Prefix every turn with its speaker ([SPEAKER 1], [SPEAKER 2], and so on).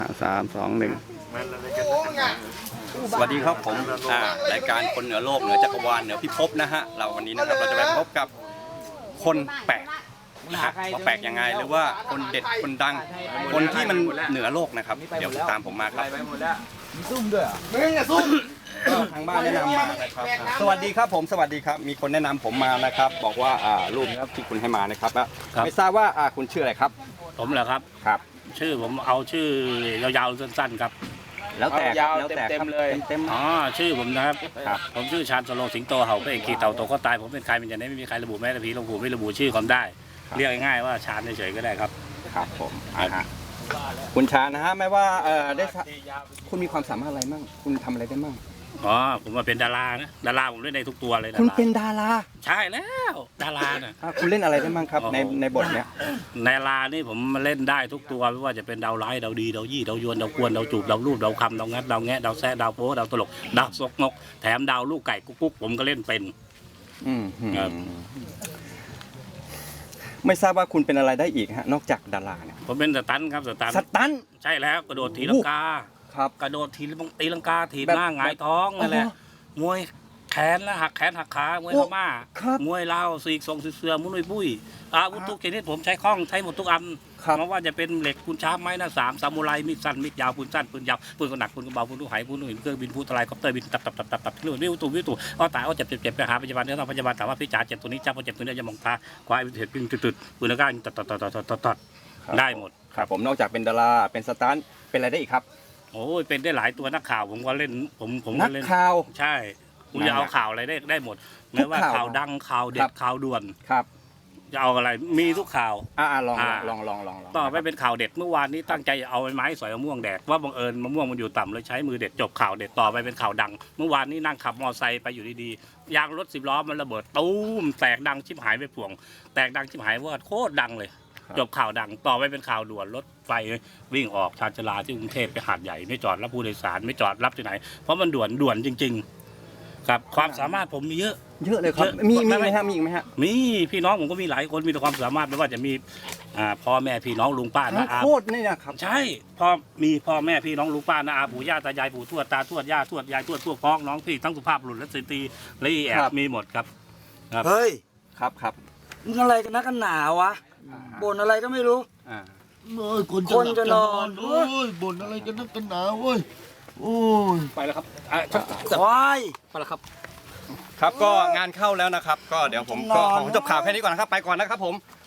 [SPEAKER 1] 3 2 1สวัสดีครับผมรายการคนเหนือโลกเหนือจักรวาลเหนือพิภพนะฮะเราวันนี้นะครับเราจะไปพบกับคนแปลกนะฮะว่าแปลกยังไงหรือว่าคนเด็ดคนดังคนที่มันเหนือโลกนะครับเดี๋ยวตามผมมาครับซุ่มด้วยมึงอย่าซุ่มทางบ้านแนะนำมานะครับสวัสดีครับผมสวัสดีครับมีคนแนะนำผมมานะครับบอกว่ารูปที่คุณให้มานะครับไม่ทราบว่าคุณชื่ออะไรครับ
[SPEAKER 2] ผมเหรอครับ
[SPEAKER 1] ครับ
[SPEAKER 2] ชื่อผมเอาชื่อยาวๆสั้นๆครับ
[SPEAKER 1] แล้วแต่
[SPEAKER 3] ยาวเต็มเลย
[SPEAKER 1] เต็ม
[SPEAKER 2] อ๋อชื่อผมนะครับผมชื่อชาญสโลสิงโตเห่าพระเอกขี่เต่าโตก็ตายผมเป็นใครเป็นอย่างนี้ไม่มีใครระบุแม้แต่ผีหลวงปู่ไม่ระบุชื่อความได้เรียกง่ายๆว่าชาญเฉยๆก็ได้ครับ
[SPEAKER 1] ครับผมคุณชาญนะฮะไม่ว่าได้คุณมีความสามารถอะไรบ้างคุณทำอะไรได้บ้าง
[SPEAKER 2] อ๋อผมมาเป็นดารานะดาราผมเล่นในทุกตัวเลย
[SPEAKER 1] คุณเป็นดารา
[SPEAKER 2] ใช่แล้วดาราเนี่ย
[SPEAKER 1] คุณเล่นอะไรได้บ้างครับในบทเนี้ย
[SPEAKER 2] ในดารานี่ผมมาเล่นได้ทุกตัวไม่ว่าจะเป็นดาวร้ายดาวดีดาวยี่ดาวยวนดาวกวนดาวจูบดาวรูปดาวคำดาวงัดดาวแงะดาวแซะดาวโป๊ดาวตลกดาวซกนกแถมดาวลูกไก่กุ๊กผมก็เล่นเป็น
[SPEAKER 1] ไม่ทราบว่าคุณเป็นอะไรได้อีกฮะนอกจากดาราเนี่ย
[SPEAKER 2] ผมเป็นสตันครับสตันใช่แล้วกระโดดถีลังกา
[SPEAKER 1] ครับ
[SPEAKER 2] กระโดดตีลังกาถีบหน้าหงายท้องนั่นแหละมวยแขนและหักแขนหักขามวยพม่ามวยลาวสีกทรงเสือมุ้ยปุ้ยอาวุธทุกชนิดผมใช้คล่องใช้หมดทุกอันไม่ว่าจะเป็นเหล็กปูนช้าไม้หน้าสามซามูไรมีดสั้นมีดยาวปืนสั้นปืนยาวปืนกระหนักปืนกระเบาปืนลูกหายปืนลูกหินเครื่องบินพูทลายคอปเตอร์บินตับที่นู่นวิวตู่อ้อตายอ้อเจ็บไปหาพยาบาลเดี๋ยวต้องพยาบาลถามว่าพี่จ๋าเจ็บตัวนี้จ้าพอเจ็บตัวนี้จะมองตาควายเห็ดปิ้งตุดปืนแล้วก็ตัดได้หมด
[SPEAKER 1] ครับผมนอกจากเป็นดาราเป็นสตันเป็นอะไรได้อีกครับ
[SPEAKER 2] โอ้ยเป็นได้หลายตัวนักข่าวผมก็เล่นผม
[SPEAKER 1] นักข่าว
[SPEAKER 2] ใช่คุณจะเอาข่าวอะไรได้หมดไม่ว่าข่าวดังข่าวเด็ดข่าวด่วน
[SPEAKER 1] ครับ
[SPEAKER 2] จะเอาอะไรมีทุกข่าว
[SPEAKER 1] ลอง
[SPEAKER 2] ต่อไปเป็นข่าวเด็ดเมื่อวานนี้ตั้งใจเอาไม้สอยมะม่วงแดดว่าบังเอิญมะม่วงมันอยู่ต่ำเลยใช้มือเด็ดจบข่าวเด็ดต่อไปเป็นข่าวดังเมื่อวานนี้นั่งขับมอเตอร์ไซค์ไปอยู่ดีๆยางรถ10 ล้อมันระเบิดตูมแตกดังชิบหายไปป่วงแตกดังชิบหายว่าโคตรดังเลยจบข่าวดังต่อไปเป็นข่าวด่วนรถไฟวิ่งออกชานชลาที่กรุงเทพไปหาดใหญ่ไม่จอดรับผู้โดยสารไม่จอดรับที่ไหนเพราะมันด่วนจริงๆครับความสามารถผมมีเยอะ
[SPEAKER 1] เลยครับมีไหมฮะมีอีกไหมฮะ
[SPEAKER 2] มีพี่น้องผมก็มีหลายคนมีแต่ความสามารถไม่ว่าจะมีพ่อแม่พี่น้องลุงป้าน้าอา
[SPEAKER 1] โคตรนี่นะครับ
[SPEAKER 2] ใช่มีพ่อแม่พี่น้องลุงป้าน้าอาปู่ย่าตายายปู่ทวดตาทวดย่าทวดยายทวดพวกพ้องน้องพี่ทั้งสุภาพบุรุษและสตรีและแอบมีหมดครับ
[SPEAKER 3] เฮ้ย
[SPEAKER 1] ครับ
[SPEAKER 3] มึงอะไรกันนักกันหนาวะบ่นอะไรก็ไม่รู้
[SPEAKER 4] คนจะนอนบ่นอะไรกันนักกันหนาเว้ยโอ้ย
[SPEAKER 1] ไปแล้วครับ
[SPEAKER 3] ควาย
[SPEAKER 1] ไปแล้วครับก็งานเข้าแล้วนะครับก็เดี๋ยวผมก็ขอจบข่าวแค่นี้ก่อนนะครับไปก่อนนะครับผม